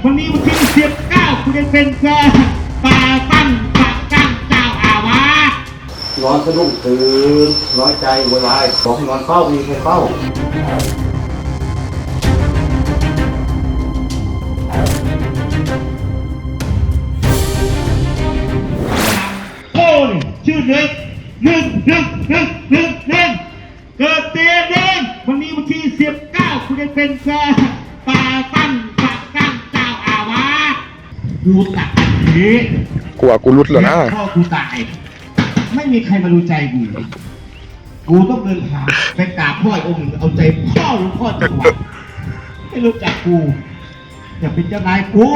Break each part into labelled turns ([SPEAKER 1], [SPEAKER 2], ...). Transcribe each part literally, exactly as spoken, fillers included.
[SPEAKER 1] วันนี้วันที่สิบเก้าคุณจะเป็นเพื่อป่าตั้งป่าตั้งเจ้าอาวาส
[SPEAKER 2] นอนสะดุ้งตื่นน้อยใจโวยวายบอกให้นอนเฝ้ามีใครเฝ้า
[SPEAKER 1] โอ้ยชื่อหนึ่งหนึ่งหนึ่งหนึ่งหนึ่งหนึ่งเกิดเตียเด้งวันนี้วันที่สิบเก้าคุณจะเป็นเพื่อป่าตั้งป่าตั้งเจ้าอาวาสดูตักนี้
[SPEAKER 3] กลัวกูรุดแล้วนะ
[SPEAKER 1] พ่อกูตายไม่มีใครมาดูใจกูกูต้องเดินทางไปกราบพ่อองค์เอาใจพ่อหลวงพ่อจังหวัดไม่รู้จักกูอย่าเป็นเจ้านายกู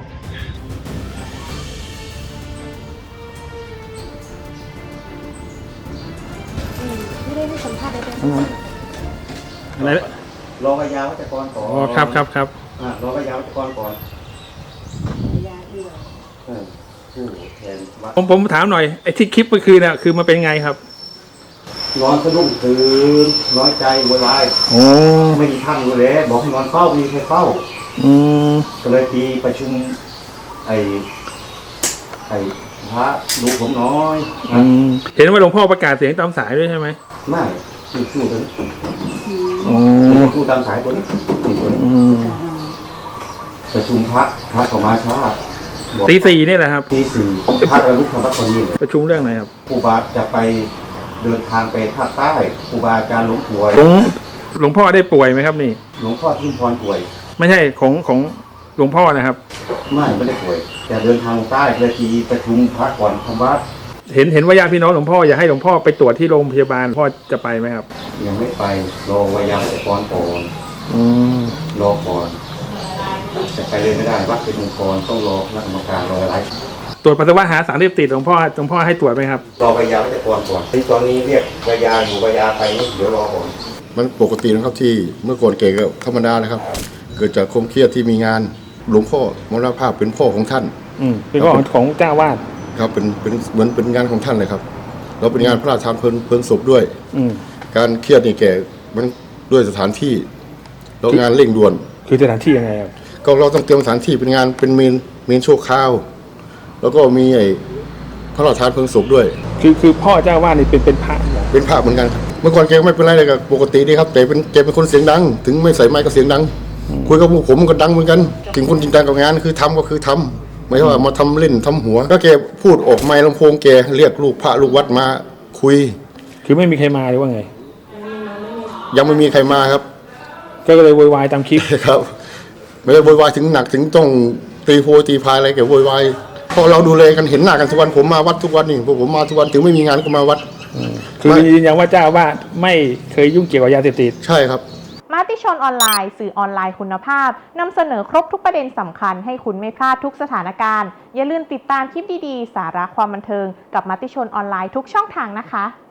[SPEAKER 4] ไม่ได้ให้สัมภาษณ์ได้ไหม
[SPEAKER 3] อะไร
[SPEAKER 2] รอพยาวัจกรก่อน
[SPEAKER 3] อ๋อครับครับครับ
[SPEAKER 2] อ่ารอพยาวัจกรก่อน
[SPEAKER 4] ยาเดียว
[SPEAKER 2] ผู้แทนวัด
[SPEAKER 3] ผมผมถามหน่อยไอ้ที่คลิปเมื่อคืนน่ะคือมันเป็นไงครับ
[SPEAKER 2] นอนสะดุ้งตื่นน้อยใจโวยวาย
[SPEAKER 3] โอ้
[SPEAKER 2] ไม่มีท่านดูแลบอกให้นอนเฝ้ามีใครเฝ้า
[SPEAKER 3] อืม
[SPEAKER 2] ก็เลยทีประชุมไอ้ไอ้พระดูผมน้อย
[SPEAKER 3] อืมเห็นว่าหลวงพ่อประกาศเสียงตามสายด้วยใช่ไหม
[SPEAKER 2] ไม่คือสู้ตัวนี้
[SPEAKER 3] อ๋อ
[SPEAKER 2] สู้ตามสายตัวนี้ตัวนี้
[SPEAKER 3] อืม
[SPEAKER 2] ประชุมพระพระของมาช้า
[SPEAKER 3] ตีสี่นี่แหละครับ
[SPEAKER 2] ตีสี่พระระลึกธรรมคนนี้
[SPEAKER 3] ประชุมเรื่องอะไรครับ
[SPEAKER 2] ครูบาจะไปเดินทางไปภาคใต้ครูบาอาจารย์หลวงป่วย
[SPEAKER 3] หลวงหลวงพ่อได้ป่วยไหมครับนี่
[SPEAKER 2] หลวงพ่อทุ่งพรป่วย
[SPEAKER 3] ไม่ใช่ของของหลวงพ่อนะครับ
[SPEAKER 2] ไม่ไม่ได้ป่วยแต่เดินทางใต้เพื่อที่ประชุมพระก่อนทำวัด
[SPEAKER 3] เห็นเห็นว่าญาติพี่น้องหลวงพ่ออยากให้หลวงพ่อไปตรวจที่โรงพยาบาลพ่อจะไปไหมครับ
[SPEAKER 2] ยังไม่ไปรอวิทยาก่อนก่อน
[SPEAKER 3] อืม
[SPEAKER 2] รอก่อนจะไปเลยไม่ได้วัดเป็นองค์กรต้องรอคณะกรรมการรออะไร
[SPEAKER 3] ตรวจปัสสาวะหาสารเสพติดหลวงพ่อหลวงพ่อให้ตรวจไหมครับ
[SPEAKER 2] รอวิทยาวัจกรก่อนที่ตอนนี้เรียกวิทยาอยู่วิทยาไปนี่เดี๋ยวรอก่อน
[SPEAKER 5] มันปกตินะครับที่เมื่อก่อนเก่ก็ธรรมดานะครับเกิดจากความเครียดที่มีงานหลวงพ่อมรณภาพเป็นพ่อของท่าน
[SPEAKER 3] อืมเป็นพ่อของเจ้าวาด
[SPEAKER 5] ครับเป็นเป็นเหมือนเป็นงานของท่านเลยครับแล้วเป็นงานพระราชทานเพลิงเพลิงศพด้วย
[SPEAKER 3] อืม
[SPEAKER 5] การเครียดนี่แก่มันด้วยสถานที่แล้วงานเร่งด่วน
[SPEAKER 3] คือสถานที่ยังไงครับ
[SPEAKER 5] ก็เราต้องเตรียมสถานที่เป็นงานเป็นเมนเมนโชว์ข้าวแล้วก็มีไอ้พระราชทานเพลิงศพด้วย
[SPEAKER 3] คือคือพ่อเจ้าวาดนี่เป็นเป็นพระ
[SPEAKER 5] เป็นพระเหมือนกันครับเมื่อก่อนแกไม่เป็นไรเลยกับปกติดีครับแต่เป็นแกเป็นคนเสียงดังถึงไม่ใส่ไมค์ก็เสียงดังคุยกับพวกผมก็ดังเหมือนกันถึงคนจริงจังกับงานคือทำก็คือทำไม่ใช่ว่ามาทำเล่นทำหัวก็แกพูดออกไมค์ลำโพงแกเรียกลูกพระลูกวัดมาคุย
[SPEAKER 3] คือไม่มีใครมาหรือว่าไง
[SPEAKER 5] ยังไม่มีใครมาครับ
[SPEAKER 3] ก็เลยโวยวายตามคลิป
[SPEAKER 5] ครับไม่ได้โวยวายถึงหนักถึงต้องตีโพตีพายอะไรแกโวยวายพอเราดูแลกันเห็นหน้ากันทุกวันผมมาวัดทุกวันนี่พวกผมมาทุกวันถึงไม่มีงานก็มาวัด
[SPEAKER 3] คือยืนยันว่าเจ้าว่าไม่เคยยุ่งเกี่ยวกับยาเสพติด
[SPEAKER 5] ใช่ครับ
[SPEAKER 4] มติชนออนไลน์สื่อออนไลน์คุณภาพนำเสนอครบทุกประเด็นสำคัญให้คุณไม่พลาดทุกสถานการณ์อย่าลืมติดตามคลิปดีๆสาระความบันเทิงกับมติชนออนไลน์ทุกช่องทางนะคะ